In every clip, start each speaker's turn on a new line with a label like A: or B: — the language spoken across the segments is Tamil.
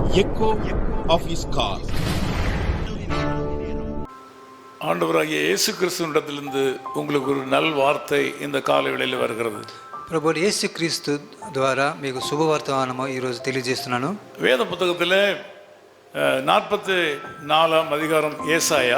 A: echo of his call.
B: ஆண்டவராகிய இயேசு கிறிஸ்துவிடத்திலிருந்து உங்களுக்கு ஒரு நல் வார்த்தை இந்த காலை வேளையில் வருகிறது.
C: ప్రభు యేసు క్రీస్తు ద్వారా మీకు శుభవార్తమానము ఈరోజు తెలియజేస్తున్నాను.
B: வேத புத்தகத்தில் 44 அதிகாரம் ஏசாயா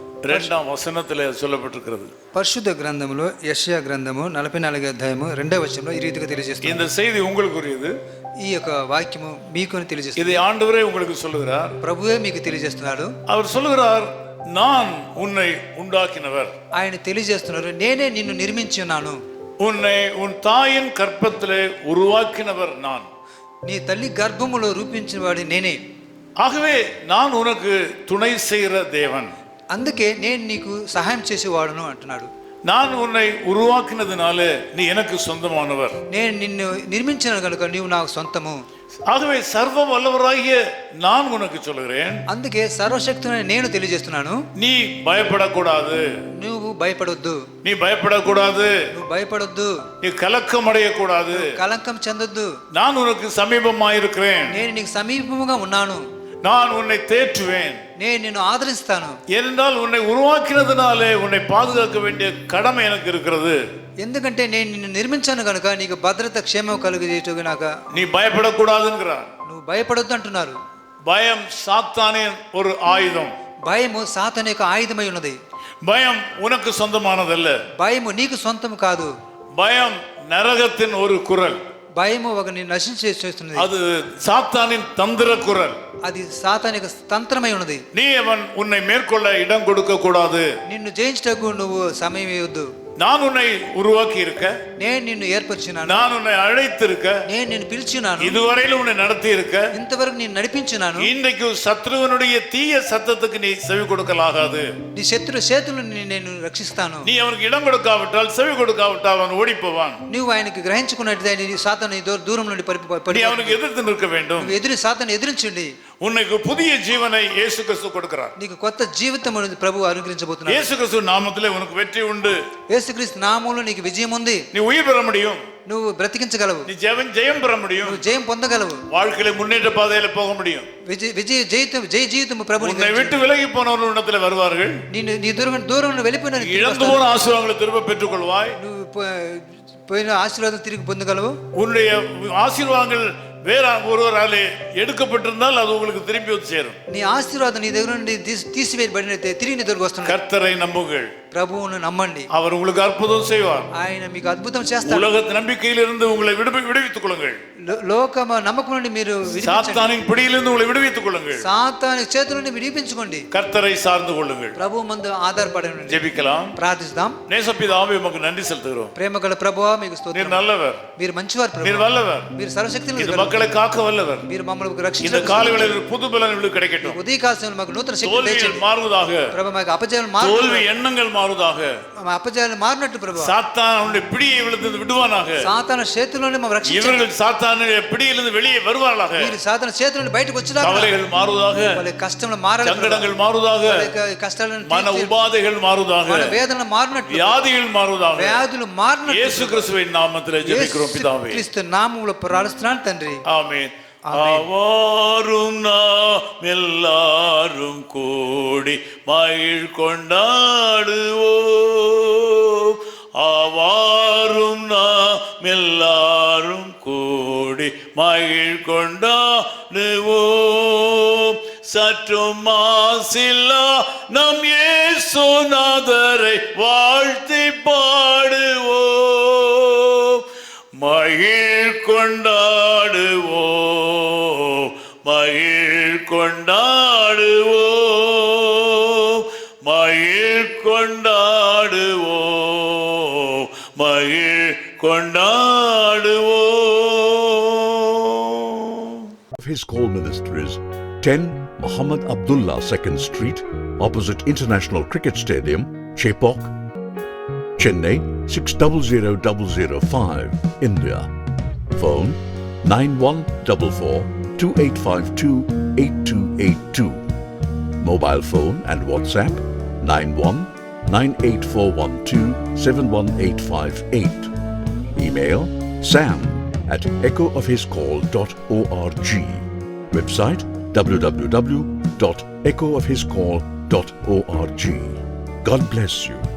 B: 2 வசனத்தில் சொல்லப்பட்டிருக்கிறது.
C: పరిశుద్ధ గ్రంథములో యెషయా గ్రంథము 44 అధ్యాయము 2వ వచనంలో ఈ రీతిగా తెలియజేస్తుంది.
B: இந்த செய்தி உங்களுக்குரியது.
C: ఈ యొక్క వాక్యము మీకు తెలియజేస్తుంది.
B: இதை ஆண்டவரே உங்களுக்கு சொல்லுகிறார்.
C: ప్రభువే మీకు తెలియజేస్తున్నాడు.
B: அவர் சொல்லுகிறார், நான் உன்னை உண்டாக்கினவர்.
C: ఆయన తెలియజేస్తున్నారు, నేనే నిన్ను నిర్మించి ఉన్నాను.
B: உன்னை உன் தாயின் கற்பத்திலே உருவாக்கினவர் நான்.
C: నీ తల్లి గర్భములో రూపించిన వాడి నేనే.
B: ஆகவே நான் உனக்கு துணை செய்கிற தேவன்.
C: అందుకే నేను నీకు సహాయం చేసేవాడును అంటున్నాడు.
B: நான் உன்னை உருவாக்கினதுனால நீ எனக்கு சொந்தமானவர்.
C: నేను నిన్ను నిర్మించిన కనుక నీవు నాకు సొంతము.
B: ஆகவே சர்வ வல்லவராகிய நான் உனக்கு சொல்கிறேன்,
C: అందుకే సర్వశక్తుని నేను తెలియజేస్తున్నాను,
B: நீ பயப்படக்கூடாது.
C: నువ్వు భయపడొద్దు.
B: நீ பயப்படக்கூடாது.
C: నువ్వు భయపడొద్దు.
B: நீ கலக்கம் அடையக்கூடாது.
C: కలంకం చెందొద్దు.
B: நான் உனக்கு சமீபமாயிருக்கிறேன்.
C: నేను నీకు సమీపముగా ఉన్నాను.
B: நான் உன்னை தேற்றுவேன்.
C: నేను నిన్ను ఆదరిస్తాను.
B: ஏனென்றால் உன்னை உருவாக்கினதுனாலே உன்னை பாதுகாக்க வேண்டிய கடமை எனக்கு இருக்கிறது.
C: ఎందుకంటే నేను నిన్ను నిర్మించాను కనుక నీకు భద్రత క్షేమం కలుగజేయటకు
B: நீ பயப்படக்கூடாதுங்கிறார்.
C: నువ్వు భయపడొద్దు అంటున్నారు.
B: பயம் சாத்தானின் ஒரு ஆயுதம்.
C: భయము సాతాను యొక్క ఆయుధమై ఉన్నది.
B: பயம் உனக்கு சொந்தமானதல்ல.
C: భయము నీకు సొంతం కాదు.
B: பயம் நரகத்தின் ஒரு குரல்.
C: భయము ఒక నిన్ను నశించేస్తున్నది.
B: அது சாத்தானின் தந்திர குரல்.
C: అది సాతాను యొక్క తంత్రమై ఉన్నది.
B: நீ அவன் உன்னை மேற்கொள்ள இடம் கொடுக்க கூடாது.
C: నిన్ను జయించటకు నువ్వు సమయం ఇవ్వద్దు.
B: நான் உன்னை உருவாக்கி இருக்க,
C: నేను నిన్ను ఏర్పరిచినాను,
B: நான் உன்னை அழைத்திருக்க,
C: నేను నిన్ను పిలిచినాను,
B: இதுவரையிலும் உன்னை நடத்தி இருக்க,
C: ఇంతవరకు నేను నడిపించినాను.
B: இன்றைக்கு சத்ருவனுடைய தீய சத்தத்துக்கு நீ செவி கொடுக்கலாகாது.
C: నీ శత్రు చేతులను నేను రక్షిస్తాను.
B: நீ அவனுக்கு இடம் கொடுக்காவிட்டால், செவி கொடுக்காவிட்டால் அவன் ஓடி போவான்.
C: నువ్వు ఆయనకి గ్రహించుకున్నట్టు సాతాను దూరం నుండి
B: நீ அவனுக்கு எதிர்த்து நிற்க வேண்டும்.
C: నువ్వు సాతాను ఎదిరించండి.
B: உனக்கு புதிய ஜீவனை இயேசு கிறிஸ்து கொடுக்கிறார்.
C: నీకు కొత్త జీవితం ప్రభు అనుగ్రహించబోతున్నాడు.
B: இயேசு கிறிஸ்து நாமத்திலே உனக்கு வெற்றி உண்டு.
C: యేసుక్రీస్తు నామములో నీకు విజయం ఉంది.
B: நீ உயிர் பெற முடியும்.
C: నువ్వు బ్రతికించగలవు.
B: நீ ஜெயம் பெற முடியும்.
C: నువ్వు జయం పొందగలవు.
B: வாழ்க்கையில முன்னேற்ற பாதையில போக முடியும்.
C: విజయ జీవితం ప్రభు
B: உன்னை விட்டு விலகி போனவர்கள் இடத்துல வருவார்கள்.
C: నీ దూరం వెళ్ళిపోయిన
B: இழந்து போன ஆசீர்வாதங்களை திரும்ப பெற்றுக் கொள்வாய்.
C: నువ్వు పోయిన ఆశీర్వాదం తిరిగి పొందగలవు.
B: உன்னுடைய ஆசீர்வாதங்கள் வேற ஒருவராலே எடுக்கப்பட்டிருந்தால் அது உங்களுக்கு திரும்பி வந்து சேரும்.
C: నీ ఆశీర్వాదం నీ దగ్గర నుండి తీసివేయబడినట్లయితే తిరిగి నీ దగ్గరకు వస్తుంది.
B: கர்த்தரை நம்புங்கள்.
C: ప్రభువును నమ్మండి.
B: அவர் உங்களுக்கு அற்புதம் செய்வார்.
C: ఆయన మీకు అద్భుతం చేస్తాడు.
B: உலக நம்பிக்கையிலிருந்து உங்களை விடுவித்துக் கொள்ளுங்கள்.
C: లోకమ నమ్మకం నుండి మీరు
B: சாத்தானின் பிடியிலிருந்து உங்களை விடுவித்துக் கொள்ளுங்கள்.
C: సాతాను చేతుల నుండి విడిపించుకోండి.
B: கர்த்தரை சார்ந்து கொள்ளுங்கள்.
C: ప్రభు మందు ఆధారపడండి.
B: ஜெபிக்கலாம்.
C: ప్రార్థిస్తాం.
B: நேசப்பிதாவே உமக்கு நன்றி செலுத்துகிறோம்.
C: ప్రేమగల ప్రభువా మీకు స్తోత్రం.
B: நீர் நல்லவர்.
C: మీరు మంచివారు ప్రభు.
B: நீர் வல்லவர்.
C: మీరు సర్వశక్తిని
B: இந்த மக்களை காக்க வல்லவர்.
C: మీరు మమ్మల్ని
B: இந்த
C: రక్షించండి.
B: காலை வேளையில் புது பலன் உங்களுக்கு கிடைக்கட்டும்.
C: ఉదయ కాలంలో మాకు నూతన శక్తి
B: தோல்விகள்
C: దయచేయండి
B: மாறுவதாக.
C: ప్రభు. మాకు అపజయాలు
B: தோல்வி எண்ணங்கள் மாறுவதாக.
C: అపజయాలు మారినట్టు ప్రభు.
B: சாத்தான் அவனுடைய பிடியை விழுந்து விடுவானாக.
C: సాతాను చేతుల్లోనే మనం రక్షించండి.
B: இவர்கள் சாத்தானுடைய பிடியிலிருந்து வெளியே வருவார்களாக.
C: మీరు సాతాను చేతుల నుండి బయటకు వచ్చేదాకా
B: கவலைகள் மாறுவதாக.
C: వాళ్ళ కష్టంలో మారాలి.
B: சங்கடங்கள் மாறுவதாக.
C: వాళ్ళ కష్టాలను
B: மன உபாதைகள் மாறுவதாக.
C: వాళ్ళ వేదనలు మారినట్టు
B: வியாதிகள் மாறுவதாக.
C: వ్యాధులు మారినట్టు
B: இயேசு கிறிஸ்துவின் நாமத்திலே ஜெபிக்கிறோம் பிதாவே.
C: క్రీస్తు నామములో ప్రార్థిస్తున్నాను తండ్రి.
B: ஆமென். அவரும் நாம் எல்லாரும் கூடி மகிழ் கொண்டாடுவோம். அவாரும் நாம் எல்லாரும் கூடி மகிழ் கொண்டாடுவோம். சற்றும் மாசில்லா நம் இயேசுநாதரை வாழ்த்தி பாடுவோம். மகிழ் கொண்டாடுவோம். மகிழ் கொண்டாடுவோம். மகிழ் கொண்டாடுவோம். மகிழ் கொண்டாடுவோம்.
D: His Call Ministries, 10 Muhammad Abdullah 2nd Street, opposite International Cricket Stadium, Chepauk, Chennai 600005, India. Phone 914428528282. Mobile phone and WhatsApp 919841271858. Email sam@echoofhiscall.org. Website www.echoofhiscall.org. God bless you.